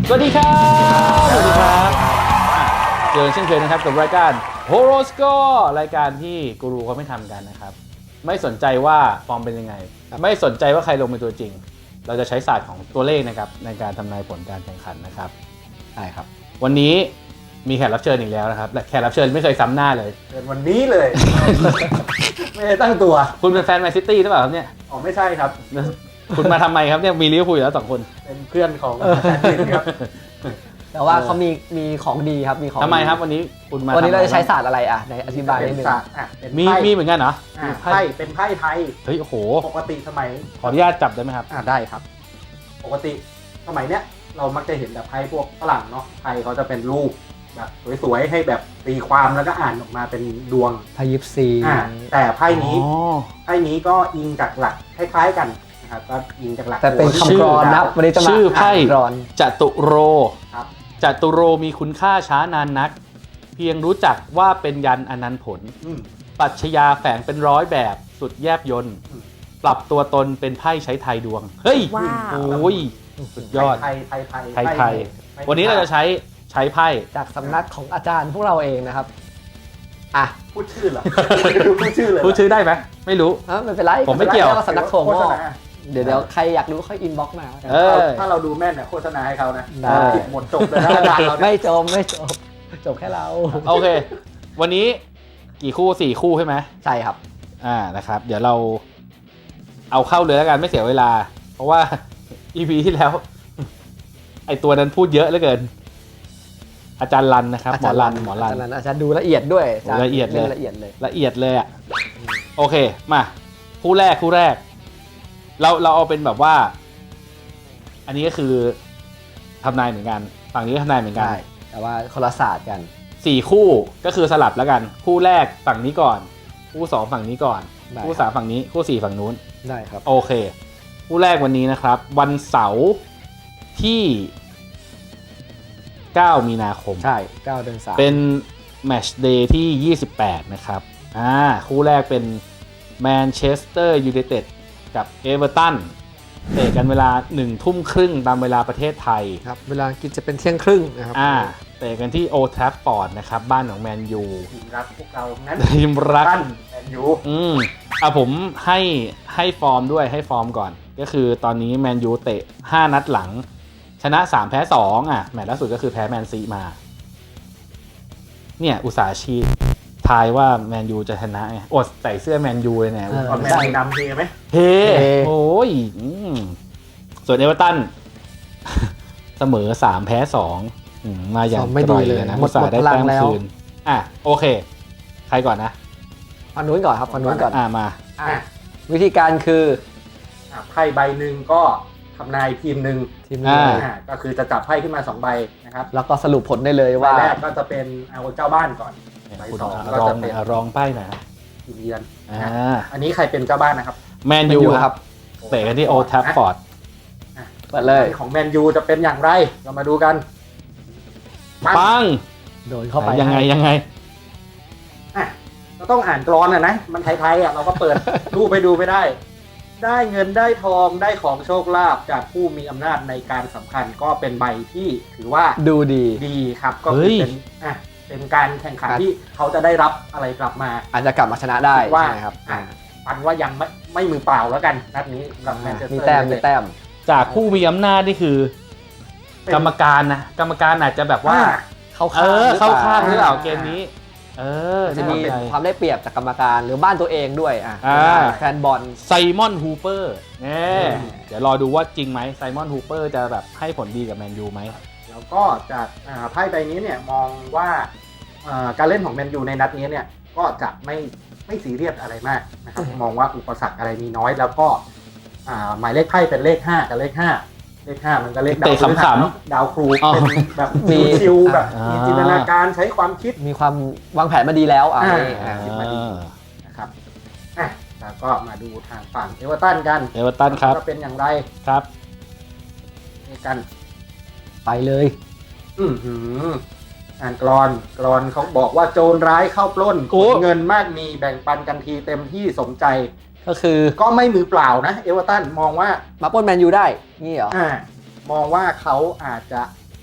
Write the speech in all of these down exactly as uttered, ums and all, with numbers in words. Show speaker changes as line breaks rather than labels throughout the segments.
สวัสดีครับสวัสดีครับเจอเช่นเคยนะครับกับรายการ Horoscope รายการที่กูรูเขาไม่ทำกันนะครับไม่สนใจว่าฟอร์มเป็นยังไงไม่สนใจว่าใครลงเป็นตัวจริงเราจะใช้ศาสตร์ของตัวเลขนะครับในการทำนายผลการแข่งขันนะครับใช่ครับวันนี้มีแขกรับเชิญอีกแล้วนะครับและแขกรับเชิญไม่เคยซ้ำหน้าเลย
เป็นวันนี้เลย ไม่ได้ตั้งตัว
คุณเป็นแฟนแมนซิตี้หรือเปล่าครับเนี่ย
อ๋อไม่ใช่ครับ
คุณมาทำไมครับเนี่ยมีลิเวอร์พูลอยู่แล้วสองคน
เป็นเพื่อนของอาจารย์ดินครับ
แต่ว่าเขามีมีของดีครับมีของ
ทำไมครับวันนี้คุณมา
วันนี้เราจะใช้ศาสตร์อะไรอ่ะในอธิบายนิดนึง
มีมีเหมือนกันเหรอ
ไพ่เป็นไพ่ไทย
เฮ้ยโอ้โห
ปกติสมัย
ขออนุญาตจับได้ไหมครับ
อ่าได้ครับปกติสมัยเนี้ยเรามักจะเห็นแบบไพ่พวกฝรั่งเนาะไพ่เขาจะเป็นรูปแบบสวยๆให้แบบตีความแล้วก็อ่านออกมาเป็นดวง
ไพ่ยิปซี
อ่าแต่ไพ่นี้ไพ่นี้ก็อิงจากหลักคล้ายๆกันนะครับก็อิงจากหลัก
แต่เป็นคำกรอนนะวันนี้จะมา
ชื่อไพ่
กรอน
จตุโร
ครับ
จตุโรมีคุณค่าช้านานนักเพียงรู้จักว่าเป็นยันอนันต์ผลปรัชญาแฝงเป็นร้อยแบบสุดแยบยนต์ปรับตัวตนเป็นไพ่ใช้ไทยดวงเฮ้ยโอ้ยสุดยอด
ไทยไทยไทย
ไทยไทยวันนี้เราจะใช้ใช้ไพ่
จากสำนักของอาจารย์พวกเราเองนะครับอ่ะ
พูดชื่อเหรอพูดชื่อเลย
พูดชื่อได้ไหมไม่รู้
ไม่เป็นไร
ผมไม่เกี่ยว
สำนักถั่วงอกเดี๋ยวเดี๋ยวใครอยากรู้ค่อยอินบ็อกซ์มา
ถ้าเราดูแม่นเนี่ยโฆษณาให้เขานะผิดหมดจบเลยนะอาจารย์เรา
ไม่จบไม่จบจบแค่เรา
โอเควันนี้กี่คู่สี่คู่ใช่ไหม
ใช่ครับ
อ่านะครับเดี๋ยวเราเอาเข้าเลยแล้วกันไม่เสียเวลาเพราะว่า อี พี ที่แล้วไอตัวนั้นพูดเยอะเหลือเกินอาจารย์รันนะครับหมอรันหมอรัน
อาจารย์ดูละเอียดด้วย
ละเอียดเลย
ละเอียดเลย
ละเอียดเลยอ่ะโอเคมาคู่แรกคู่แรกเราเราเอาเป็นแบบว่าอันนี้ก็คือทำนายเหมือนกันฝั่งนี้ทำนายเหมือนกัน
แต่ว่าคนละศาสตร์กัน
สี่คู่ก็คือสลับแล้วกันคู่แรกฝั่งนี้ก่อนคู่สองฝั่งนี้ก่อนคู่สามฝั่งนี้คู่สี่ฝั่งนู้น
ได้ครับ
โอเคคู่แรกวันนี้นะครับวันเสาร์ที่เก้ามีนาคม
ใช่เก้าเดือนสาม
เป็นแมตช์เดย์ที่ยี่สิบแปดนะครับอ่าคู่แรกเป็นแมนเชสเตอร์ยูไนเต็ดกับเอเวอร์ตันเตะกันเวลาหนึ่งทุ่มครึ่งตามเวลาประเทศไทย
ครับเวลากินจะเป็นเที่ยงครึ่งนะครับ
อ่าเตะกันที่โอแทรฟฟอร์ดนะครับบ้านของแมนยู
ทีมรักพวกเรานั้น
ทีมรัก
แมนยู
อืมอ่ะผมให้ให้ฟอร์มด้วยให้ฟอร์มก่อนก็คือตอนนี้แมนยูเตะห้านัดหลังชนะสามแพ้สองอ่ะแมตช์ล่าสุดก็คือแพ้แมนซีมาเนี่ยอุตสาหชีทายว่าแมนยูจะชนะไงอดใส่เสื้อแมนยูเลยเนี่ย
ตอนแมนยูดำเทไหม
เทโอ้ยส่วนเอเวอร์ตันเสมอสามแพ้สองมาอย่าง
ไม่ดีเลย
นะอุตสาห์ได้แต้มคืนอ่ะโอเคใครก่อนนะ
ฝั่งนู้นก่อนครับฝั่งนู้นก่อน
อ่ะมา
วิธีการคือ
ไพ่ใบหนึ่งก็ทำนายทีมหนึ่ง
ทีมนึง
ก็คือจะจับไพ่ขึ้นมาสองใบนะครับ
แล้วก็สรุปผลได้เลยว่า
แรกก็จะเป็นเอาเจ้าบ้านก่อนใบสองก็จะเป็น
รองป้ายหน่อย
ทีมเยือนอันนี้ใครเป็นเจ้าบ้านนะครับ
แมนยูครับเตะกันที่โอแทฟฟอร์ด
เปิดเลย
ของแมนยูจะเป็นอย่างไรเรามาดูกัน
ปัง
โดนเข้าไป
ยังไงยังไง
อ่ะก็ต้องอ่านกรอนอ่ะนะมันไทยๆอ่ะเราก็เปิดรูปไปดูไปได้ได้เงินได้ทองได้ของโชคลาภจากผู้มีอำนาจในการสำคัญก็เป็นใบที่ถือว่า
ดูดี
ดีครับก็คือเป็นอ่ะเป็นการแข่งขันที่เขาจะได้รับอะไรกลับมา
อาจจะกลับมาชนะได้
ว่า
ใช่ครับ
ปันว่ายังไม่ไม่มือเปล่าแล้วกันนัดนี้กับแมนเชสเตอร์
มีแต้มมีแต้ม
จากผู้มีอำนาจนี่คือกรรมการนะกรรมการอาจจะแบบว่า
เข้า
ข้างเข้าข้างหรือเปล่าเกมนี้เออ
จะมีความได้เปรียบจากกรรมการหรือบ้านตัวเองด้วยอ่ะแฟนบอล
ไซมอนฮูเปอร์เนี่ยเดี๋ยวรอดูว่าจริงไหมไซมอนฮูเปอร์จะแบบให้ผลดีกับแมนยูไหม
แล้วก็จากไพ่ใบนี้เนี่ยมองว่าการเล่นของแมนยูในนัดนี้เนี่ยก็จะไม่ไม่ซีเรียสอะไรมากนะครับมองว่าอุปสรรคอะไรมีน้อยแล้วก็หมายเลขไพ่เป็นเลขห้ากับเลขห้าเลขห้ามันก็เลขดาวครูดาวครูเป็นแบบมีชิวแบบมีจินตนาการใช้ความคิด
มีความวางแผนมาดีแล้วอ่ะ
คิดมาดีนะครับอ่ะแล้วก็มาดูทางฝั่งเอเวอร์ตันกัน
เอเวอร์ตันครับ
จะเป็นอย่างไร
ครับ
นี่กัน
ไปเลย
อือหืออ่านกรอนกรอนเขาบอกว่าโจรร้ายเข้าปล้นเงินมากมีแบ่งปันกันทีเต็มที่สมใจ
ก็คือ
ก็ไม่มือเปล่านะเอเวอร์ตันมองว่า
มาปล้นแมนยูได้นี่เหรอ
อ่ามองว่าเขาอาจจะ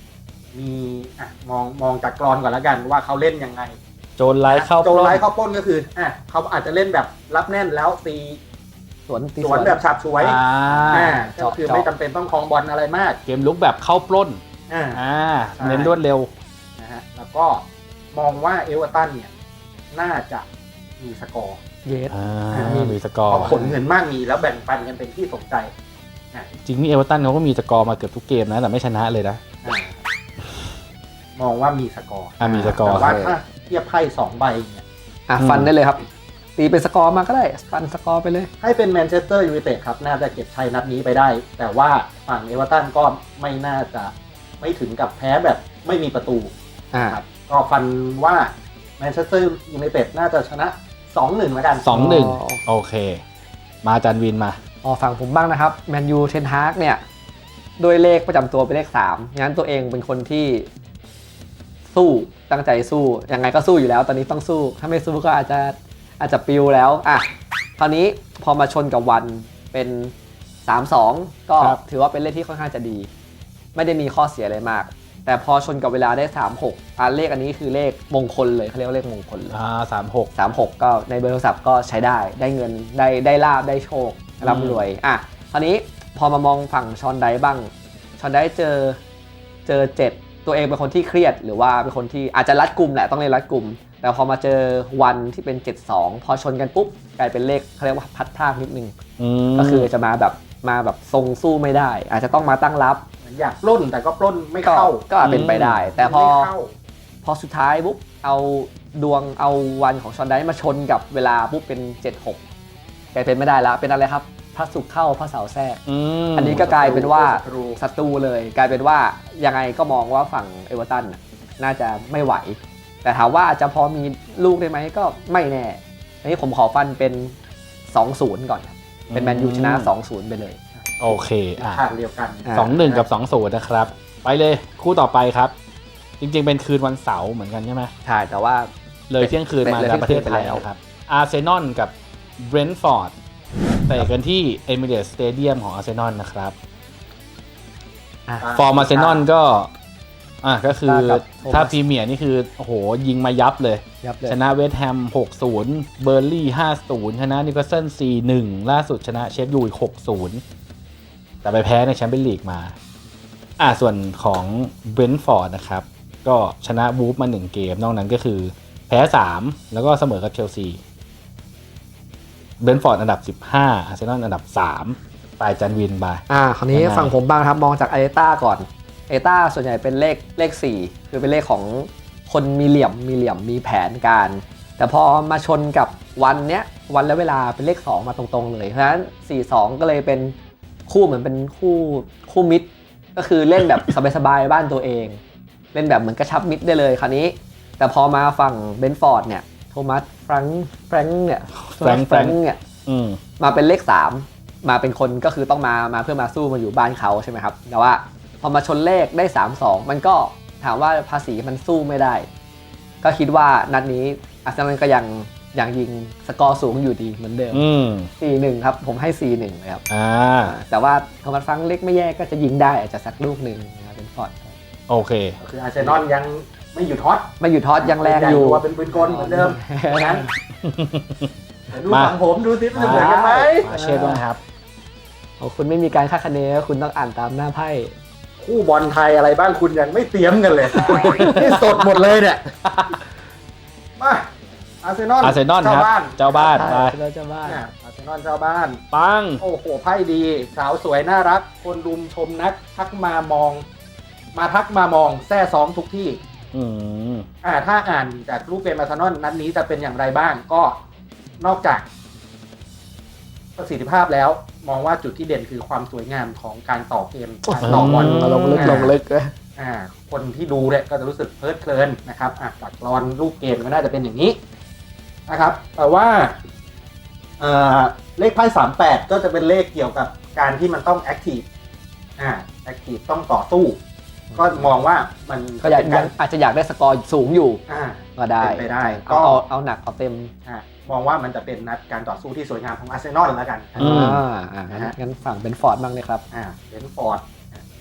มีอ่ะมองมองจากกรอนก่อนแล้วกันว่าเขาเล่นยังไง
โจรไร้เข้า
โจ
ป
ร
ล้
ไร้
น
เข้าปล้นก็คืออ่ะเขาอาจจะเล่นแบบรับแน่นแล้วตี
สวนตี
สวนแบบฉับฉวย
อ่า
อ่าก็
เจาะ
คือ
เจาะ
ไม่จำเป็นต้องครองบอลอะไรมาก
เกมลุกแบบเข้าปล้น
อ่า
อ่า
ใช่
เน้นรวดเร็ว
นะฮะแล้วก็มองว่าเอเวอร์ตันเนี่ยน่าจะมีสกอร์
เยส
อ่า
อ่ามี
มีสกอ
เพ
ร์
ราะผลเงินมากมีแล้วแบ่งปันกันเป็นที่สนใจ
จริงนี่เอเวอร์ตันเขาก็มีสกอร์มาเกือบทุกเกมนะแต่ไม่ชนะเลยนะ
อ่ามองว่ามีสกอร์
อ่ะมีสกอร์
แต่ว่าถ้าเทียบไพ่สองใบเนี่ย
อ่ะ
อืม
ฟันได้เลยครับ ตีเป็นสกอร์มาก็ได้ฟันสกอร์ไปเลย
ให้เป็นแมนเชสเตอร์ยูไนเต็ดครับน่าจะเก็บชัยนัดนี้ไปได้ แต่ว่าฝั่งเอเวอร์ตันก็ไม่น่าจะไม่ถึงกับแพ้แบบไม่มีประตู
อ่า
ครับก็ฟันว่าแมนเชสเตอร์ยูไนเต็ดน่าจะชนะ สองหนึ่ง แล้วกัน
สองหนึ่ง
อ๋อ
โอเค มาจันวินมา
อ๋อฝั่งผมบ้างนะครับแมนยูเทนฮากเนี่ยโดยเลขประจำตัวเป็นเลขสามงั้นตัวเองเป็นคนที่สู้ตั้งใจสู้ยังไงก็สู้อยู่แล้ว ตอนนี้ต้องสู้ ถ้าไม่สู้ก็อาจจะอาจจะปิวแล้วอ่ะคราวนี้พอมาชนกับวันเป็นสามสองก็
ครับ
ถือว่าเป็นเลขที่ค่อนข้างจะดี ไม่ได้มีข้อเสียอะไรมาก แต่พอชนกับเวลาได้สามหกอ่ะเลขอันนี้คือเลขมงคลเลยเขาเรียกว่าเลขมงคลเลย
อ่าสามหก
สามหกก็ในเบอร์โทรศัพท์ก็ใช้ได้ได้เงินได้ได้ลาบได้โชคร่ำรวยอ่ะคราวนี้พอมามองฝั่งชอนไดบ้างชอนไดเจอเจอเจ็ดตัวเองเป็นคนที่เครียดหรือว่าเป็นคนที่อาจจะรัดกุมแหละต้องเล่นรัดกุมแต่พอมาเจอวันที่เป็นเจ็ดสองพอชนกันปุ๊บกลายเป็นเลขเขาเรียกว่าพัดพลาดนิดนึง
ม
ก็คือจะมาแบบมาแบบทรงสู้ไม่ได้ อาจจะต้องมาตั้งรับ
เหมือนอยากปล้นแต่ก็ปล้นไม่
ก็
เข้า
ก็อาจเป็นไปได้ แต่พอ
ไม่เข้า
พอสุดท้ายปุ๊บเอาดวงเอาวันของชอนไดมาชนกับเวลาปุ๊บเป็นเจ็ดหกกลายเป็นไม่ได้แล้วเป็นอะไรครับพระศุกร์เข้าพระเสาร์แทรก
อืม
อันนี้ก็กลายเป็นว่า
ศัตรู
ศัตรูเลย กลายเป็นว่ายังไงก็มองว่าฝั่งเอเวอร์ตันน่ะน่าจะไม่ไหว แต่ถามว่าอาจจะพอมีลูกได้ไหมก็ไม่แน่อันนี้ผมขอฟันเป็น สองศูนย์ ก่อนครับเป็นแมนยูชนะ สองศูนย์ ไปเลย
โอเคอ่ะ
ทางเดียวกัน
อ่า
สองหนึ่งกับสองศูนย์นะครับ ไปเลยคู่ต่อไปครับ จริงๆ เป็นคืนวันเสาร์เหมือนกันใช่ไหม
ใช่แต่ว่า
เลยเที่ยงคืนมา
เลย
ในประเทศ
เที่
ไท
ยงคืน
ย
ไปแล้ว
นะครับอาร์เซนอลกับเบรนท์ฟอร์ดเตะกันที่เอมิเรตสเตเดียมของอาร์เซนอลนะครับ
อ่ะ
ฟอร์มอาร์เซนอลก็อ่ะก็คือ
ตากับโทมัส
ถ้าพรีเมียร์นี่คือโอ้โหยิงมายับเลย
ยับเลย
ชนะเวสต์แฮม หกศูนย์ เบอร์ลี่ ห้าศูนย์ ชนะนิวคาสเซิล สี่หนึ่ง ล่าสุดชนะเชฟยูอีก หกศูนย์ แต่ไปแพ้ในแชมเปี้ยนลีกมา อ่าส่วนของเบรนท์ฟอร์ดนะครับ ก็ชนะวูฟมาหนึ่งเกม นอกนั้นก็คือแพ้ สาม แล้วก็เสมอกับเชลซีเบรนท์ฟอร์ดอันดับ สิบห้า อาร์เซนอลอันดับ สาม ปลายจันวินไป
อ่าคราวนี้
ยังไง
ฝั่งผมบ้างครับมองจากไอเอต้าก่อนไอเอต้าส่วนใหญ่เป็นเลขเลขสี่คือเป็นเลขของคนมีเหลี่ยมมีเหลี่ยมมีแผนการ แต่พอมาชนกับวันเนี้ยวันและเวลาเป็นเลขสองมาตรงๆเลยเพราะฉะนั้นสี่สองก็เลยเป็นคู่เหมือนเป็นคู่คู่มิดก็คือเล่นแบบ สบายๆบ้านตัวเอง เล่นแบบเหมือนกระชับมิดได้เลยคราวนี้ แต่พอมาฝั่งเบนฟอร์ดเนี่ยโทมัสแฟรงค์แฟรงค์เนี่ย
แฟรงค์
แฟรงค์เนี่ย
อืม
มาเป็นเลขสามมาเป็นคนก็คือต้องมามาเพื่อมาสู้มาอยู่บ้านเขาใช่ไหมครับแต่ว่าพอมาชนเลขได้สามสองมันก็ถามว่าภาษีมันสู้ไม่ได้ ก็คิดว่านัดนี้อาร์เซนอลก็ยังยังยิงสกอร์สูงอยู่ดีเหมือนเดิม
อืม
สี่หนึ่งครับผมให้สี่หนึ่งเลยครับ
อ่า
แต่ว่าโทมัสฟรังก์เล็กไม่แย่ก็จะยิงได้อาจจะสักลูกหนึ่งนะครับเป็นฟอร์ด
โอเค
คืออาร์เซนอลยังไม่หยุดฮอต
ไม่อยู่ทอดยังแรงอยู่
ตัวเป็นปืนกลเหมือนเดิมนะเดี๋ยวดู
มา
ฝั่งผมดูซิมันจะเหมือนกันไหม
มาเช่ด้วยนะครับ
โอ้คุณไม่มีการคาดคะเนคุณต้องอ่านตามหน้าไพ่
คู่บอลไทยอะไรบ้างคุณยังไม่เตรียมกันเลย นี่สดหมดเลยเนี่ย มาอาร์เซนอล
อาร์เซนอลครับ
เจ้าบ้าน
เจ้าบ้านไป
เราจะบ้าน
เนี่ยอาร์เซนอลเจ้าบ้าน
ปัง
โอ้โหไพ่ดี สาวสวยน่ารัก คนรุมชมนัก ทักมามอง มาทักมามองแซ่ซ้อมทุกที่
อืม
อ่าถ้าอ่านจากรูปเกมอาร์เซนอลนัดนี้จะเป็นอย่างไรบ้างก็นอกจากประสิทธิภาพแล้ว มองว่าจุดที่เด่นคือความสวยงามของการต่อเกมการต่อบอล
ลงลึกลงลึกเลย
อ่าคนที่ดูเนี่ยก็จะรู้สึกเพลิดเพลินนะครับอ่ะจากกรอนรูปเกมก็น่าจะเป็นอย่างนี้นะครับ แต่ว่าเอ่อเลขไพ่สามแปดก็จะเป็นเลขเกี่ยวกับการที่มันต้องแอคทีฟอ่าแอคทีฟต้องต่อสู้ ก็มองว่ามัน
ก็อยาก
เป็น
ยั
กาง ร
อาจจะอยากได้สกอร์สูงอยู่
อ่า
ก็ได้
เป็นไปได้
เอา
ก็
เอาเอาหนักเอาเต็ม
อ่ามองว่ามันจะเป็นนัดการต่อสู้ที่สวยงามของอาร์เซนอลแล้วกัน
อืม
อ่าอ่างั้นงั้นฝั่งเป็นฟอร์ดบ้างเลยครับ
อ่าเบนฟอร์ด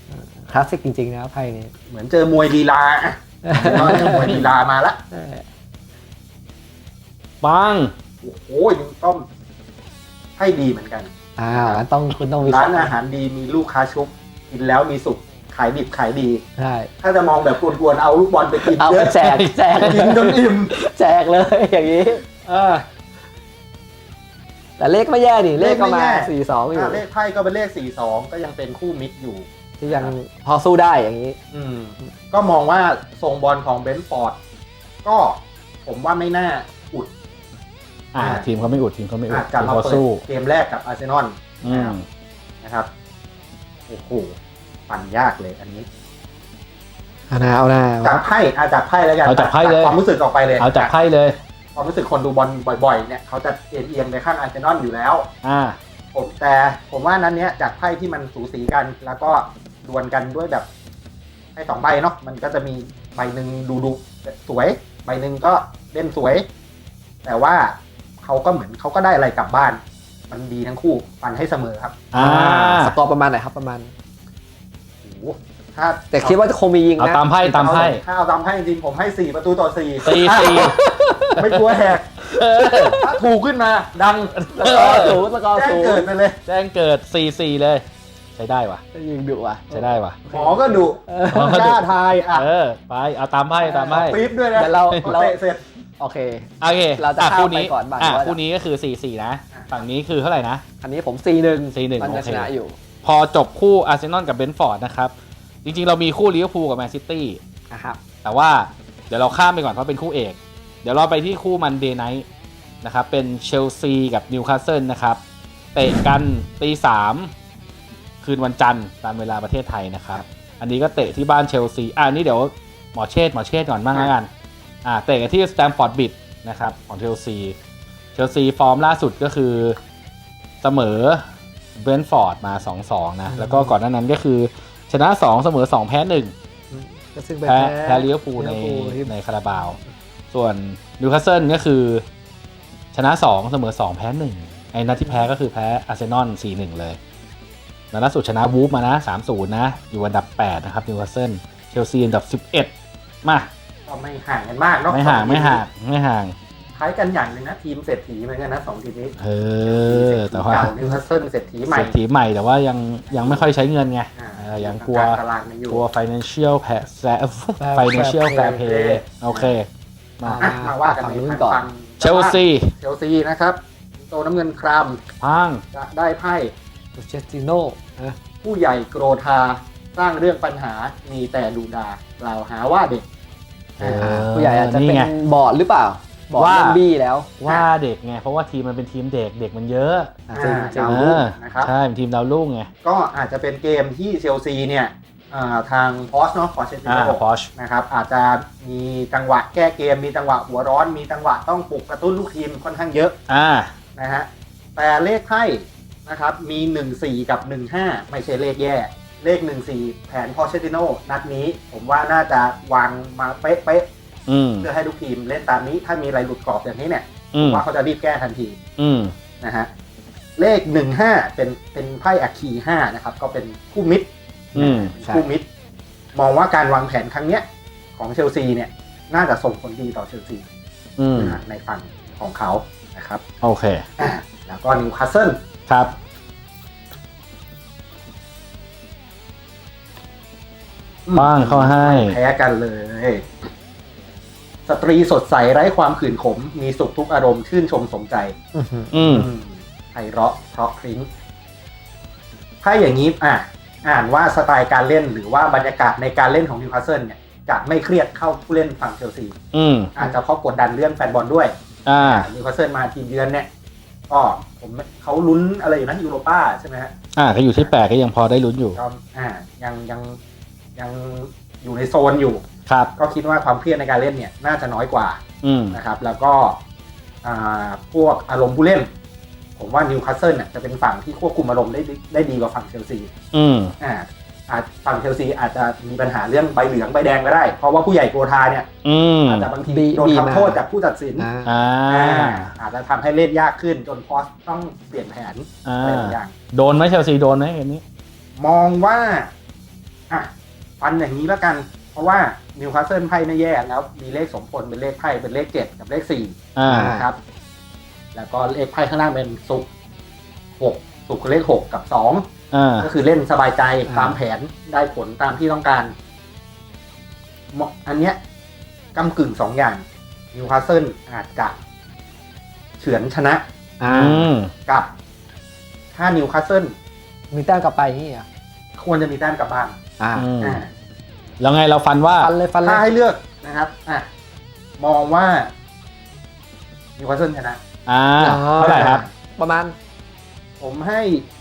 คลาสสิกจริงๆนะไพ่นี้
เหมือนเจอมวยลีลาอ่ะเจอมวยลีลามาละ
ปัง
โอ้โหยังต้องให้ดีเหมือนกัน
อ้าวงั้นต้องคุณต้องวิ
ร้านอาหารดีมีลูกค้าชุบกินแล้วมีสุขขายดิบขายดี
ใช่
ถ้าจะมองแบบกวนๆเอาลูกบอลไปกิน
เอา
เย
ไป
อะ
แจกแจก
กินจนอิ่ม
แจกเลยอย่างนี้
เออ
แต่เลขไม่แย่ดิเลขก็มา
เลขไม่แย่
สี่สองอยู่
อ่ะเลขไพ่ก็เป็นเลขสี่สองก็ยังเป็นคู่มิตรอยู่
ที่ยังพอสู้ได้อย่างนี้
อืมก็มองว่าทรงบอลของเบนฟอร์ดก็ผมว่าไม่น่าอุด
อ่า
อ่า
ทีมเขาไม่อุดทีมเขาไม่อุ
อา
ด
จจะ
ทีม
มา
เขา
เปิด
สู้
เกมแรกกับอาร์เซนอล
อืม
นะครับโอ้โหปั่นยากเลยอันนี้
เอาหน้าเอาหน้า
จากไพ่อาจากไพ่แล้วกัน
เอาจากไพ่เลย
ความรู้สึกออกไปเลย
เอาจากไพ่เลย
ความรู้สึกคนดูบอลบ่อยๆเนี่ยเขาจะเอียงเอียงไปข้างอาร์เซนอลอยู่แล้ว
อ่า
ผมแต่ผมว่านั้นเนี้ยจากไพ่ที่มันสูสีกัน แล้วก็ดวลกันด้วยแบบให้สองใบเนาะมันก็จะมีใบหนึ่งดูดูสวย ใบหนึ่งก็เล่นสวย แต่ว่าเขาก็เหมือนเขาก็ได้อะไรกลับบ้าน มันดีทั้งคู่ปั่นให้เสมอครับ
อ่า
สกอร์ประมาณไหนครับประมาณ
โอ้โหถ้า
แต่คิดว่าคงมียิง
เอา
นะ
ตามไพ่ตามไพ่
ถ้าเอาตามไพ่จริงๆผมให้สี่ประตูต่อสี่
ตีตี
ไม่กลัวแหกถ้าถูกขึ้นมา ดัง
สกอร์สูงสกอร์
แจ้ง
สูง
เกิดไปเลย
แจ้งเกิด สี่สี่ เลย ใช้ได้วะ
ยิงดุอ่ะ
ใช้ได้วะ
หมอก็ดุ
หมอก็ดุ
กล้าทายอ่ะ
เออ ไป เอาตามไพ่ตามไพ่
ปี๊บด้วยนะ
เดี๋ยวเรา
พอ
เรา
เตะเสร็จ
โอเค
โอเค
เราจะ
อ่
ข้าม
คู่นี้
ไปก่อนบ้าง
อ่ะ
ว่า
คู่นี้ก็คือ สี่สี่ นะ
อ่ะ
ฝั่งนี้คือเท่าไหร่นะ
อันนี้ผม สี่หนึ่ง
สี่หนึ่ง
มันจะ
โอเค
ชนะอยู่
พอจบคู่อาร์เซนอลกับเบนฟอร์ดนะครับ จริงๆ เรามีคู่ลิเวอร์พูลกับแมนซิตี้
นะครับ
แต่ว่าเดี๋ยวเราข้ามไปก่อนเพราะเป็นคู่เอก เดี๋ยวเราไปที่คู่มันเดย์ไนท์นะครับ เป็นเชลซีกับนิวคาสเซิลนะครับ เตะกันตีสามคืนวันจันทร์ตามเวลาประเทศไทยนะครับ อันนี้ก็เตะที่บ้านเชลซี อ่านี่เดี๋ยวหมอเชษฐ์หมอเชษฐ์ก่อนบ้างแล้วกัน อ่าเตะกันที่สแตมฟอร์ดบริดจ์นะครับของเชลซี เชลซีฟอร์มล่าสุดก็คือเสมอเบรนท์ฟอร์ดมา สองสอง นะ แล้วก็ก่อนหน้านั้นก็คือชนะสองเสมอสองแพ้หนึ่ง
ก็ซึ่งเป็น
แพ้
แพ้
แพ้ลิเวอร์พูลใน
ลิเวอร์พูลที่
ในคาราบาว ส่วนนิวคาสเซิลก็คือชนะสองเสมอสองแพ้หนึ่งไอ้นัดที่แพ้ก็คือแพ้อาร์เซนอล สี่หนึ่ง เลยแล้วล่าสุดชนะวูฟมานะ สามศูนย์ นะ อยู่อันดับแปดนะครับนิวคาสเซิลเชลซีอันดับสิบเอ็ดมา
ก็ไม่ห่างกันมากเนาะ
ไม่ห่างไม่ห่างไม่ห่าง
คล้ายกันอย่างหนึ่งนะทีมเศรษฐีเหมือนกันนะสองทีมนี้
เออแต่ว่า
เก่านิวคาสเซิลเศรษฐีใหม่
เศรษฐีใหม่แต่ว่ายังยังไม่ค่อยใช้เงินไง
อ่า
เออยังกลัว
ตารางมันอยู่
กลัว financial fair financial fair play โอเค มา
อ่ะมาว่ากัน
ฝั่ง
ใน
นู้นก่อน
ฝั่ง
เชลซี
เชลซีนะครับโตน้ำเงินคราม
พัง
จะได้ไพ่
เชสติโน่นะ
ผู้ใหญ่โกรธาสร้างเรื่องปัญหามีแต่ดูดากล่าวหาว่าเด็ก
เออ
ผู้ใหญ่อาจจะ
นี่
เป็น
ไง
บอร์ดหรือเปล่า บอร์ด
ว่า
เล่นบี้แล้ว
ว่าเด็กไง เพราะว่าทีมมันเป็นทีมเด็กเด็กมันเยอะ
อ่ะจริงจริง
ดาว
เอ
รุ่ง
อ
นะครับ
ใช่เป็นทีมดาวรุ่งไง
ก็อาจจะเป็นเกมที่เชลซีเนี่ยอ่าทางพอสเนาะพอเชติ
อ่า
โน
พอช
นะครับอาจจะมีจังหวะแก้เกมมีจังหวะหัวร้อนมีจังหวะต้องปลุกกระตุ้นลูกทีมค่อนข้างเยอะ
อ่า
นะฮะแต่เลขไพ่นะครับมีหนึ่งสี่กับหนึ่งห้าไม่ใช่เลขแย่ เลขหนึ่งสี่แผนพอเชติโนนัดนี้ผมว่าน่าจะวางมาเป๊ะ
อืม
ๆเพื่อให้ลูกทีมเล่นตามนี้ถ้ามีอะไรหลุดกรอบอย่างนี้เนี่ย
อื
ผม มว่าเขาจะรีบแก้ทันที
อืม
นะฮะเลขหนึ่งห้าเป็นเป็นไพ่อัคคีห้านะครับก็เป็นคู่มิตร
อืม
เป็นคู่มิตร มองว่าการวางแผนครั้งเนี้ยของเชลซีเนี่ยน่าจะส่งผลดีต่อเชลซี
อืม
นะฮะในฝั่งของเขานะครับ
โอเค
อ่ะแล้วก็นิวคาสเซิล
ครับ บ้างเข้าให้
แพ้กันเลย สตรีสดใสไร้ความขื่นขม มีสุขทุกอารมณ์ชื่นชมสมใจ
อื้อหือ
อืม
อืมไพเราะเพราะพริ้งถ้าอย่างนี้อ่ะอ่านว่าสไตล์การเล่นหรือว่าบรรยากาศในการเล่นของนิวคาสเซิลเนี่ยจะไม่เครียดเข้าผู้เล่นฝั่งเชลซี
อืม
อาจจะเพราะกดดันเรื่องแฟนบอลด้วย
อ่า
นิวคาสเซิลมาทีมเยือนเนี่ย ก็ผมเขาลุ้นอะไรอยู่นะยูโรป้าใช่ไหมฮะ
อ่าก็อยู่ที่แปดก็ยังพอได้ลุ้นอยู่
ก็อ่ายังยังยังอยู่ในโซนอยู่
ครับ
ก็คิดว่าความเครียดในการเล่นเนี่ยน่าจะน้อยกว่า
อืม
นะครับแล้วก็อ่าพวกอารมณ์ผู้เล่น ผมว่านิวคาสเซิลเนี่ยจะเป็นฝั่งที่ควบคุมอารมณ์ได้ดีได้ดีกว่าฝั่งเชลซี
อืม
อ่าอาจฝั่งเชลซีอาจจะมีปัญหาเรื่องใบเหลืองใบแดงก็ได้ เพราะว่าผู้ใหญ่โกรธาเนี่ย
อืม
อาจจะบางที
บี
โดน
บีมา
ทำโทษจากผู้ตัดสิน
อ่า
อ่า
อ่าอาจจะทำให้เล่นยากขึ้นจนพอสต้องเปลี่ยนแผน
อ่า
อะไรบางอย่าง
โดนไหมเชลซีโดนไหมเกมนี้
มองว่าอ่ะฟันอย่างนี้แล้วกัน เพราะว่านิวคาสเซิลไพ่ไม่แย่แล้วมีเลขสมพลเป็นเลขไพ่เป็นเลขเจ็ดกับเลขสี่
อ่า
นะครับแล้วก็เลขไพ่ข้างล่างเป็นศุกร์หกศุกร์คือเลขหกกับสอง
อ่า
ก็คือเล่นสบายใจ
อ่า
ตามแผนได้ผลตามที่ต้องการเหมาะอันเนี้ยกำกึ่งสองอย่างนิวคาสเซิลอาจจะเฉือนชนะ
อ่า
อืม
กับถ้านิวคาสเซิล
มีแต้มกลับไปนี่อ่ะ
ควรจะมีแต้มกลับบ้าน
อ่า
อืม
อ่า
แล้วไงเราฟันว่า
ฟันเลยฟันเล
ถ้าย ให้เลือกนะครับอ่ะมองว่านิวคาสเซิลชนะ
อ่าเท่าไหร่ครับ
ประมาณ
ผมให้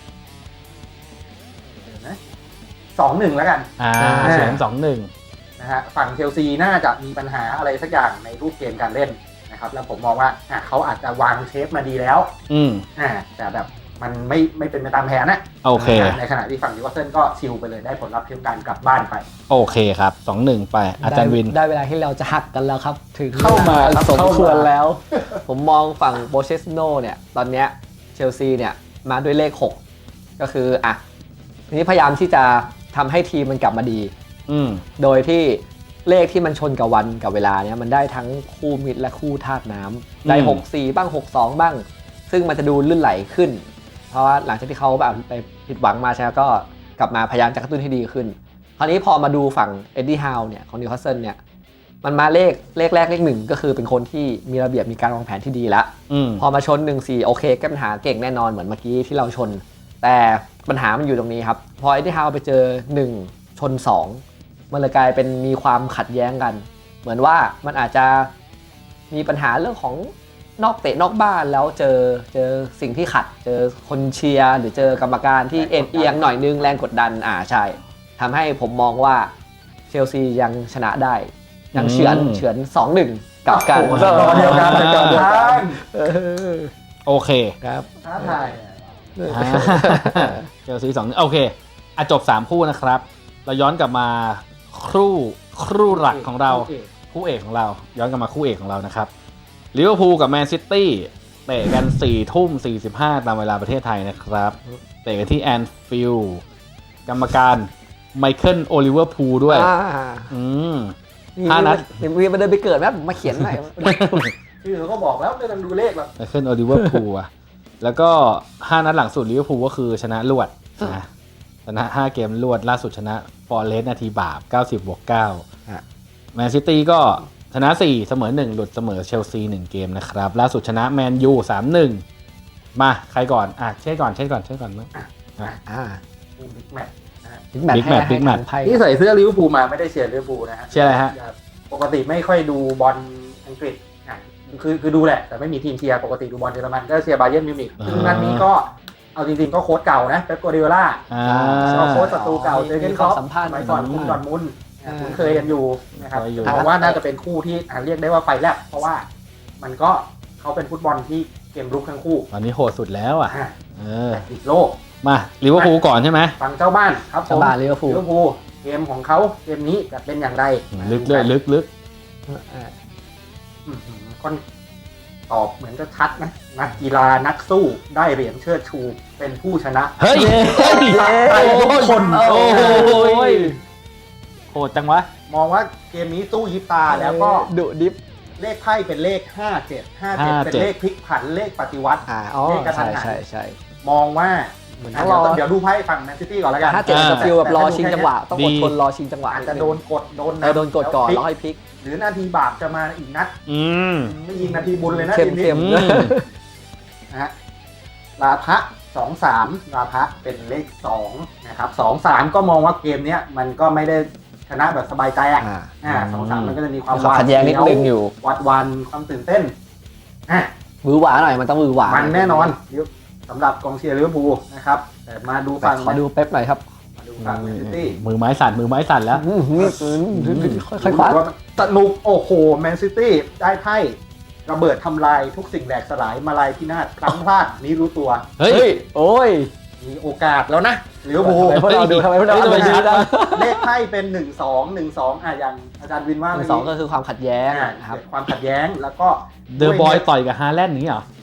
เดี๋ยวนะสองหนึ่งแล้วกัน
อ่า
อ่า
เฉือนสองหนึ่ง
นะฮะฝั่งเชลซีน่าจะมีปัญหาอะไรสักอย่างในรูปเกมการเล่นนะครับ แล้วผมมองว่าอ่ะเขาอาจจะวางเชฟมาดีแล้ว
อืม
อ่าแต่แบบมันไม่ไม่เป็นไปตามแผนนะ
โอเค
ในขณะที่ฝั่งนิวคาสเซิลก็ชิลไปเลยได้ผลลัพธ์เท่ากันกลับบ้านไป
โอเคครับสองหนึ่งไป อาจารย์วิน
ได้ได้เวลาที่เราจะหักกันแล้วครับ ถึง
เข้ามา
วล
ครับ
สม
เข้ามา
ควรแล้ว ผมมองฝั่งโบเชสโนเนี่ยตอนเนี้ยเชลซีเนี่ยมาด้วยเลขหกก็คืออ่ะทีนี้พยายามที่จะทำให้ทีมมันกลับมาดี
อืม
โดยที่เลขที่มันชนกับวันกับเวลาเนี่ยมันได้ทั้งคู่มิตรและคู่ธาตุน้ำได้
อืม
หกสี่บ้างหกสองบ้าง ซึ่งมันจะดูลื่นไหลขึ้น เพราะว่าหลังจากที่เขาแบบไปผิดหวังมาใช่ไหมก็กลับมาพยายามจะกระตุ้นให้ดีขึ้น คราวนี้พอมาดูฝั่งเอ็ดดี้ฮาวเนี่ยของนิวคาสเซิลเนี่ยมันมาเลขเลขแรกเลขหนึ่งก็คือเป็นคนที่มีระเบียบมีการวางแผนที่ดีแล้ว
อืม
พอมาชนหนึ่งสี่โอเคแก้ปัญหาเก่งแน่นอนเหมือนเมื่อกี้ที่เราชน แต่ปัญหามันอยู่ตรงนี้ครับ พอเอ็ดดี้ฮาวไปเจอหนึ่งชนสองมันเลยกลายเป็นมีความขัดแย้งกัน เหมือนว่ามันอาจจะมีปัญหาเรื่องของนอกเตะนอกบ้านแล้วเจอเจอสิ่งที่ขัด เจอคนเชียร์หรือเจอกรรมการที่เอ็นเอียงหน่อยนึงแรงกดดันอ่าใช่ทำให้ผมมองว่าเชลซียังชนะได้ ยังเฉือน
อืม
เฉือน สองหนึ่ง กลับกัน
โอ้โหรอเดียวกัน
อ่า
รอเดียวกัน
เออ
โอเค
ครับ
ท้าทาย
อ่าเชลซีสองโอเคอ่ะจบสามคู่นะครับ เราย้อนกลับมาคู่คู่หลักของเรา คู่เอกของเรา ย้อนกลับมาคู่เอกของเรานะครับลิเวอร์พูลกับแมนซิตี้เตะกันสี่ทุ่มสี่สิบห้าตามเวลาประเทศไทยนะครับ เตะกันที่แอนฟิลด์กรรมการไมเคิลโอลิเวอร์พูลด้วย
อ่า
อืม
มี
ห้านัด
มีมีมาเดินไปเกิดไหมผมมาเขียนหน่อย
ชื่อเขาก็บอกแล้วไม่ต้องดูเลขหรอก
ไมเคิลโอลิเวอร์พูลอะแล้วก็ห้านัดหลังสุดลิเวอร์พูลก็คือชนะรวดนะชนะห้าเกมรวดล่าสุดชนะฟอร์เรสต์นาทีบาปเก้าสิบบวกเก้า
ฮะ
แมนซิตี้ก็ชนะสี่เสมอหนึ่งหลุดเสมอเชลซีหนึ่งเกมนะครับล่าสุดชนะแมนยูสามหนึ่งมาใครก่อนอ่ะเช่ก่อนเช่ก่อนเช่ก่อนมั้ง
อ่า
บิ๊กแมตช์นะฮะ
บิ๊กแมท
Big Match Big Match
ไพ่
ที่ใส่เสื้อลิเวอร์พูลมาไม่ได้เชียร์ลิเวอร์พูลนะฮะ
เชียร์อะไรฮะ
ปกติไม่ค่อยดูบอลอังกฤษอ่ะคือคือดูแหละ แต่ไม่มีทีมเชียร์ปกติดูบอลเยอรมันก็เชียร์บาเยิร์นมิวนิกซึ่งนัดนี้ก็เอาจริงๆก็โค้ชเก่านะเป๊ปกัวร์ดิโอล่า
อ่า
ก็โค้ชศัตรูเก่าเจอเกนครอป
สัมภาษณ์
สมัยก่อนคุมดอร์ทมุนด์
อ่า
คุ้นเคยกันอยู่นะครับ
เคยอยู่
เพราะว่าน่าจะเป็นคู่ที่อ่ะเรียกได้ว่าไฟแลบเพราะว่ามันก็เขาเป็นฟุตบอลที่เกมรุกทั้งคู่
ตอนนี้โหดสุดแล้วอ่ะ
อ่ะ
เออ
แต่ติดโลก
มาลิเวอร์พูลก่อนใช่ไหม
ฝั่งเจ้าบ้านครับผม
ชาวบ้านลิเวอร์พูล
ลิเวอร์พูลเกมของเขาเกมนี้จะเป็นอย่างไร
ลึกเลยลึกลึก
อ่า
อืมค่อนตอบเหมือนจะชัดนะนักกีฬานักสู้ได้เหรียญเชิดชูเป็นผู้ชนะ
เฮ้ยเฮ้ย
ไปทุกคน
โอ้ยโหดจังวะ
มองว่าเกมนี้สู้ยิบตาแล้วก็
ดุดิฟ
เลขไพ่เป็นเลขห้าเจ็ด ห้าเจ็ดเป็นเลขพลิกผันเลขปฏิวัติ
อ่าอ๋อ
เลขกระทั
ใช่
นหัน
ใช่ใช่
มองว่า
เหมือน
อ่ะ
รอ
เดี๋ยวเดี๋ยวดูไพ่ฝั่งแมนซิตี้ก่อนแล้วกัน
ถ้าเจ็ด
อ่า
จะฟิลแบบรอ
แต่ถ้าดู
ชิงจังหวะ ต้องอดทนรอชิงจังหวะ
อาจจะโดนกดโดน
เออโดนกดก่อน
พลิ
แล้วค่อยพลิก
หรือนาทีบาปจะมาอีกนัด
อืม
ไม่ยิงนาทีบุญเลยนะ
เข้ม
ทีนี้
เข้ม
อืม
นะฮะลาพะสองสามลาพะเป็นเลขสองนะครับสองสามก็มองว่าเกมเนี้ยมันก็ไม่ได้ชนะแบบสบายใจอ่ะ
อ่า
อ่าสองสามมันก็จะมีความ
มีความขัดแย้งนิดนึงอยู่
วัดวันความตื่นเต้นอ่ะ
มือหวาหน่อยมันต้องมือหวา
มันแน่นอนสำหรับกองเชียร์ลิเวอร์พูลนะครับแต่มาดู
แต่
ฝั่ง
ขอดูเป๊ปหน่อยครับ
มาดูฝั่งแมนซิตี้
มือไม้สั่นมือไม้สั่นแล้ว
อืมนี่ค่อยๆคว้า
ว่าสนุกโอ้โหแมนซิตี้ได้ไพ่ระเบิดทำลายทุกสิ่งแหลกสลายมาลายพินาศพลั้งพลาดนี้รู้ตัว
เฮ้ย
โอ้ย
มีโอกาสแล้วนะลิเวอร์พูล
ทำไมพวกเราดูทำไมพวกเรา
เฮ้ย
ดู
ทำไม
ดี
ชัด
จัง
เลขไพ่เป็นหนึ่งสองหนึ่งสองอ่ะอย่างอาจารย์วินว่า
หนึ่
เมื่
งสองก็คือความขัดแย้ง
อ่ะ
นะครับ
เกิดความขัดแย้งแล้วก็
เดอะบอยต่อยกับฮาแลนด์อย่างนี้เหรอ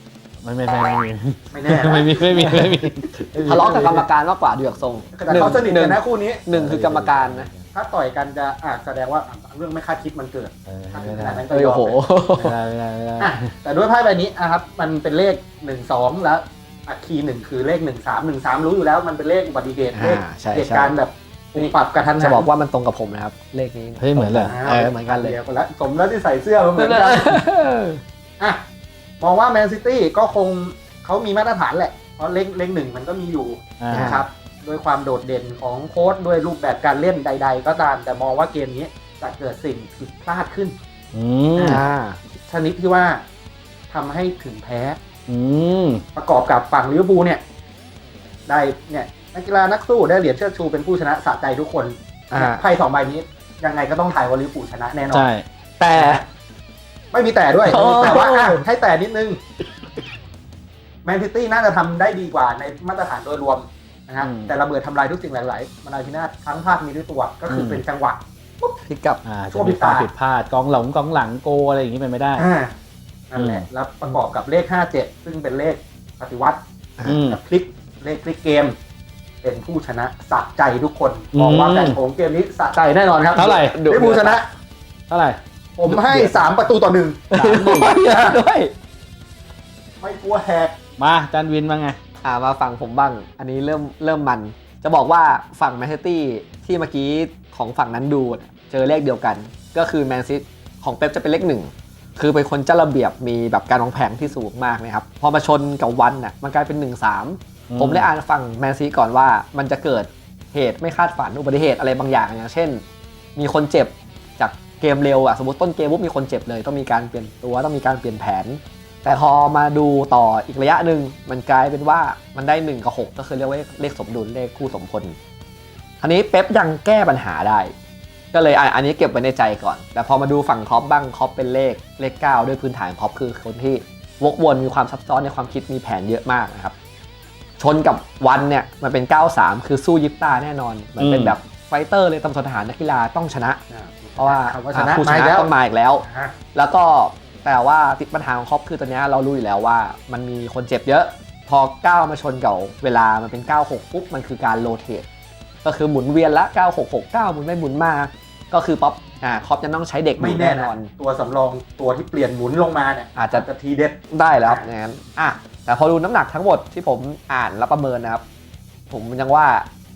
ไม่ไม่ไม่ไม่มี
ไม่แน่นะ
ไม่มีไม่มีไม่มี
ทะเลาะกับกรรมการมากกว่าดูจากทรง
แต่เขาสนิทกันนะคู่นี้
หนึ่งคือกรรมการนะ
ถ้าต่อยกันจะอาจแสดงว่าเรื่องไม่คาดคิดมันเกิด
เออ
ถ้าถึ
ไม่
งข
ได้
นาดนั้น
เอ
ก็
อย
อ
โอ้
ม
โห
ไม่ได้ไม่ได้ไม่ได้
อ่ะแต่ด้วยไพ่ใบนี้นะครับมันเป็นเลขหนึ่งสองแล้วอัคคีหนึ่งคือเลขหนึ่งสามหนึ่งสามรู้อยู่แล้วมันเป็นเลขอุบัติเหตุเลข
อ่าใช่
เหตุการณ์แบบปุบปรับกระทันหัน
จะบอกว่ามันตรงกับผมนะครับ เลขนี้
เฮ้ยเหมือนเลย
เออเหมือนกันเลย
ดีวแล้วสมแล้วที่ใส่เสื้อมาเหมือนกันอ่ะมองว่าแมนซิตี้ก็คงเขามีมาตรฐานแหละเพราะเลขเลขหนึ่งมันก็มีอยู่
อ่า
นะครับด้วยความโดดเด่นของโค้ชด้วยรูปแบบการเล่นใด ๆ ก็ตาม แต่มองว่าเกมนี้จะเกิดสิ่งผิดพลาดขึ้น
อืม
อ่า
ชนิดที่ว่าทำให้ถึงแพ้
อืม
ประกอบกับฝั่งลิเวอร์พูลเนี่ย ได้เนี่ยนักกีฬานักสู้ได้เหรียญเชิดชูเป็นผู้ชนะสะใจทุกคน
อ่า
ไพ่สองใบนี้ ยังไงก็ต้องถ่ายว่าลิเวอร์พูลชนะแน่นอน
ใช่
แต่
ไม่มีแต่ด้วย
โอ้
แต่ว่าอ่ะให้แต่นิดนึงแมนซิตี้น่าจะทำได้ดีกว่าในมาตรฐานโดยรวมนะฮะแต่ระเบิดทำลายทุกสิ่งหลายๆมาลายพินาศทั้งภาคมีด้วยตัวก็คือเป็นจังหวะ
พลิกกลับ
อ่า
ช่
จะ
วง
มีความ
ผิ
ผิ
ด
ด
พ
พ
ลา
ลา
ด
ดกองหลังกองหลังโกอะไรอย่างนี้เป็นไม่ได้
อ่านั่นแหละ
อืม
แล้วประกอบกับเลขห้าเจ็ดซึ่งเป็นเลขปฏิวัติ
อืม
กับพลิกเลขพลิกเกม เป็นผู้ชนะสะใจทุกคน
อืม
มองว่าการโถงเกมนี้สะใจแน่นอนครับ
เท่าไหร่
ลิเวอร์พูลชนะ
เท่าไหร่
ผมให้สามประตูต่อหนึ่ง
สามหนึ่ง
ด้วย
ไม่กลัวแหก
มาจันวินมาไง
อ่ามาฝั่งผมบ้าง อันนี้เริ่มเริ่มมัน จะบอกว่าฝั่งแมนซิตี้ที่เมื่อกี้ของฝั่งนั้นดูเนี่ยเจอเลขเดียวกัน ก็คือแมนซิตของเป๊ปจะเป็นเลขหนึ่งคือเป็นคนเจ้าระเบียบมีแบบการวางแผนที่สูงมากนะครับ พอมาชนกับวันน่ะมันกลายเป็นหนึ่งสาม
อืม
ผมเลยอ่านฝั่งแมนซีก่อนว่ามันจะเกิดเหตุไม่คาดฝันอุบัติเหตุอะไรบางอย่างอย่างเช่น มีคนเจ็บจากเกมเร็วอ่ะสมมติต้นเกมปุ๊บมีคนเจ็บเลยต้องมีการเปลี่ยนตัวต้องมีการเปลี่ยนแผน แต่พอมาดูต่ออีกระยะหนึ่งมันกลายเป็นว่ามันได้หนึ่งกับหกก็คือเรียกว่าเลขสมดุลเลขคู่สมพลคราวนี้เป๊ปยังแก้ปัญหาได้ ก็เลยอ่ะอันนี้เก็บไว้ในใจก่อน แต่พอมาดูฝั่งครอปบ้างครอปเป็นเลขเลขเก้าด้วยพื้นฐานครอปคือคนที่วกวนมีความซับซ้อนในความคิดมีแผนเยอะมากนะครับชนกับวันเนี่ยมันเป็นเก้าสามคือสู้ยิปตาแน่นอนมันเป็นแบบไฟเตอร์เลยตำสนทหารนักกีฬาต้องชนะ เพราะว่า
คำว่าชนะ
ผู้ช
มาอีก
นะ
แล้ว
ต้องมาอีกแล้ว
อ่ะ
แล้วก็แต่ว่าติดปัญหาของครอปคือตอนนี้เรารู้อยู่แล้วว่ามันมีคนเจ็บเยอะ พอเก้ามาชนกับเวลามันเป็นเก้าหกปุ๊บมันคือการโรเตทก็คือหมุนเวียนละเก้าหกหกเก้าหมุนไม่หมุนมาก็คือป๊อปอ่าครอปจะต้องใช้เด็ก
ไม่แน่
น
น
อ
อน นตัวสำรองตัวที่เปลี่ยนหมุนลงมาเนี่ย
อาจจะ
จะทีเด็ด
ได้แล้วครับอย่างนั้นอ่ะแต่พอดูน้ำหนักทั้งหมดที่ผมอ่านและประเมินนะครับ ผมยังว่า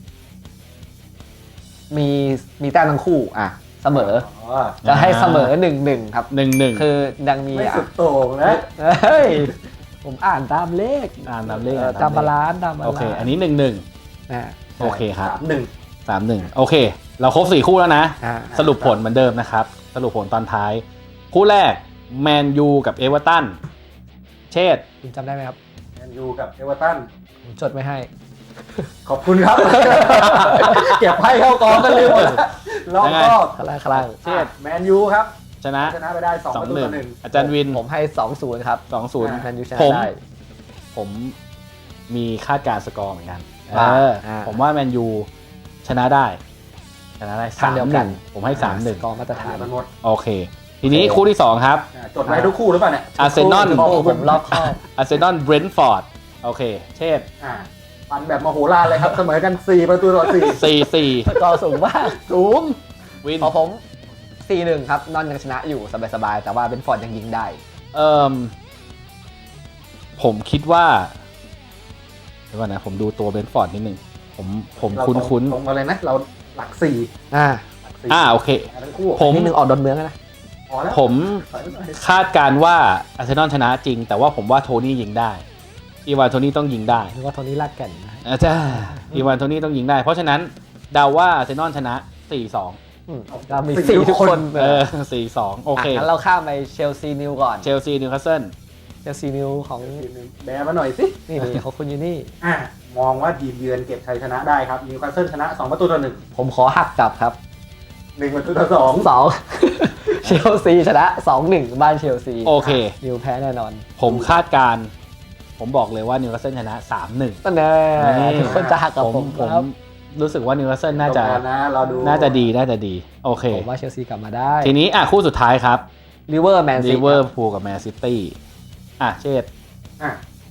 มีมีแต้มทั้งคู่อ่ะเสมอ
อ๋อ
จะให้เสมอหนึ่งหนึ่งครับ
หนึ่งหนึ่ง
คือยังมี
ไม่
อ่ะ
สุดโต่งนะ
เฮ้ยผมอ่านตามเลข
อ่านตามเลข
ออตามบาลานซ์ตามบาลานซ์
โอเค อันนี้หนึ่งหนึ่ง
นะ
โอเคครับ
สามหนึ่ง
สามหนึ่งโอเค เราครบสี่คู่แล้วนะ
อ่า
สรุปผลเหมือนเดิมนะครับ สรุปผลตอนท้าย คู่แรกแมนยูกับเอเวอร์ตันเชษฐ์
คุณจำได้ไหมครับ
แมนยูกับเอเวอร์ตัน
ผมจดไว้ให้
ขอบคุณครับ เก็บให้เข้ากองกันเลยหมดรอบก็
คลางคลาง
เชษแมนยูครับ
ชนะ
ชนะไปได้สอง
สอ
ป
ง
ระตู
หนึ่
ต่
ง
อหนึ่ง
อาจารย์วิน
ผมให้สองศูนย์ครับ
สองศูนย์
แมนยูชนะ
ผม
ได้
ผมมีคาดการณ์สกอร์เหมือนกัน
ว่า
เออ
อ่า
ผมว่าแมนยูชนะได้ ชนะได้
ทา
สาง ม
เดียว
ห
กั
นึ่
น
งผมให้สามหนึ่ง
กองมาตรฐาน
มันหมด
โอเค ทีนี้
โอเค
คู่ที่สองครับ
อ่าจดไว้ทุกคู่หรือเปล่าเนี่ย
อาร์เซนอล
โอ้โหผมรอบคอบ
อาร์เซนอลเบรนท์ฟอร์ดโอเค เชษฐ์
อ่าปันแบบมโหฬารเลยครับ เสมอกันสี่ประตูต่อสี่
สี่สี่
สกอร์สูงมาก
สูง
วิน
พอผม สี่หนึ่ง ครับ นอนยังชนะอยู่สบายๆ แต่ว่าเบนฟอร์ดยังยิงได้
เอ่อผมคิดว่าเดี๋ยวก่อนนะผมดูตัวเบรนท์ฟอร์ดนิดนึงผมผม
เรา
คุ้นคุ้น
ตรงมาเลยนะ เราหลักสี่
อ่า
หลักสี่
อ่าโอเค
ทั้งคู่
ผม
นิดนึงออกดอนเมืองแล้วนะ
พอแล้ว
ผม
ถอยไปหน่อย
คาดการณ์ว่าอาร์เซนอลชนะจริง แต่ว่าผมว่าโทนี่ยิงได้อีวานโทนี่ต้องยิงได้
นึกว่าโทนี่ลากแก่นนะ
อาจารย์อีวานโทนี่ต้องยิงได้ เพราะฉะนั้นเดาว่าอาร์เซนอลชนะ สี่สอง
อืมเรามีสี่ทุกคน
เออ สี่สองโอเค
ะงั้นเราข้ามไปเชลซีนิวก่อน
เชลซีนิวคาสเซิล
เชลซีนิวของ
แบมาหน่อยสิ
นี่นี่ของคุณยูนี่
อ่ามองว่าทีมเยือนเก็บชัยชนะได้ครับนิวคาสเซิลชนะสองประตูต่อหนึ่ง
ผมขอหักกลับครับ
หนึ่งประตูต่อสอง
สอง เชลซีชนะ สองหนึ่ง บ้านเชลซี
โอเค
นิวแพ้แน่นอน
ผมคาดการณ์ผมบอกเลยว่านิวคาสเซิลชนะ สามหนึ่ง
นั่นแน่
นี่
ทุกคนจะหักกับ
ผม
ผม
ผม
ครับ
รู้สึกว่านิวคาสเซิลน่าจะ
ตรงกันนะเราดู
น่าจะดีน่าจะดี โอเค
ผมว่าเชลซีกลับมาได้
ทีนี้อ่ะคู่สุดท้ายครับ
ลิเวอร์แมนซี
ลิเวอร์พูลกับแมนซิตี้อ่ะเชษฐ์
อ่ะ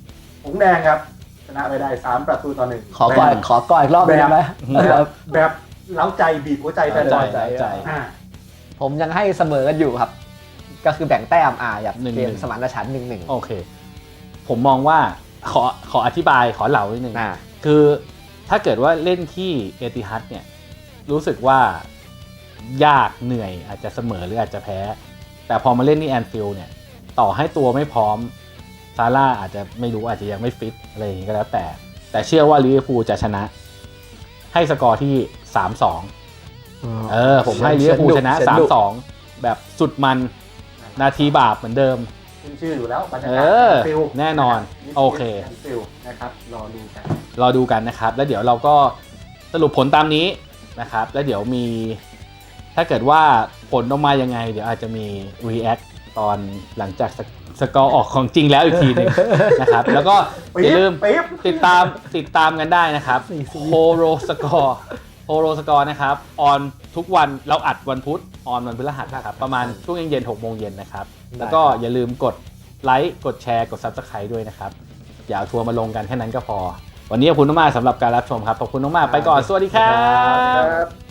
หงส์แดงครับชนะไปได้สามประตูต่อหนึ่ง
ขอก่อนขอก่อนอีกรอบหนึงได้ไหม
แบบแบบเล้าใจบีบหัวใจแฟนบอล
ใจใจ
อ่า
ผมยังให้เสมอกันอยู่ครับ ก็คือแบ่งแต้มอ่าอย่าง
หนึ่ง
เก
ห
ม
นึ่ง
สมานฉันท์หนึ่งหนึ่ง
โอเค ผมมองว่าขอขออธิบายขอเหล่านิดนึง
อ่า
คือถ้าเกิดว่าเล่นที่เอติฮัดเนี่ยรู้สึกว่ายากเหนื่อยอาจจะเสมอหรืออาจจะแพ้ แต่พอมาเล่นที่แอนฟิลด์เนี่ยต่อให้ตัวไม่พร้อมซาร่าอาจจะไม่รู้อาจจะยังไม่ฟิตอะไรอย่างนี้ก็แล้วแต่ แต่เชื่อว่าลิเวอร์พูลจะชนะ ให้สกอร์ที่ สามสอง เออ ผมให้ลิเวอร์พูลชนะ สามสอง แบบสุดมันนาทีบาปเหมือนเดิม
ขึ้นชื่ออยู่แล้วบรรยา
เอก
าศ
อ
แอนฟิลด์
แน่นอน
ะรับ
โอเค
แอนฟิลด์นะครับรอดูกัน
รอดูกันนะครับ แล้วเดี๋ยวเราก็สรุปผลตามนี้นะครับ แล้วเดี๋ยวมี ถ้าเกิดว่าผลออกมายังไง เดี๋ยวอาจจะมี react ตอนหลังจากสกสกอร์ออกของจริงแล้วอีกทีหนึง นะครับ แล้วก็อย่าลืม
ปิ๊บ
ติดตามติดตามกันได้นะครับโฮโรสกอร์โฮโรสกอร์นะครับ ออนทุกวันเราอัดวันพุธออนวันพฤหัสนะครับ ประมาณช่วงเย็นๆหกโมงเย็นนะครับ แล้วก็อย่าลืมกดไลค์กดแชร์กด Subscribe ด้วยนะครับ อย่าเอาทัวร์มาลงกันแค่นั้นก็พอ วันนี้ขอบคุณมากๆสำหรับการรับชมครับ ขอบคุณมากๆไปก่อน สวัสดีครั
ครับ บ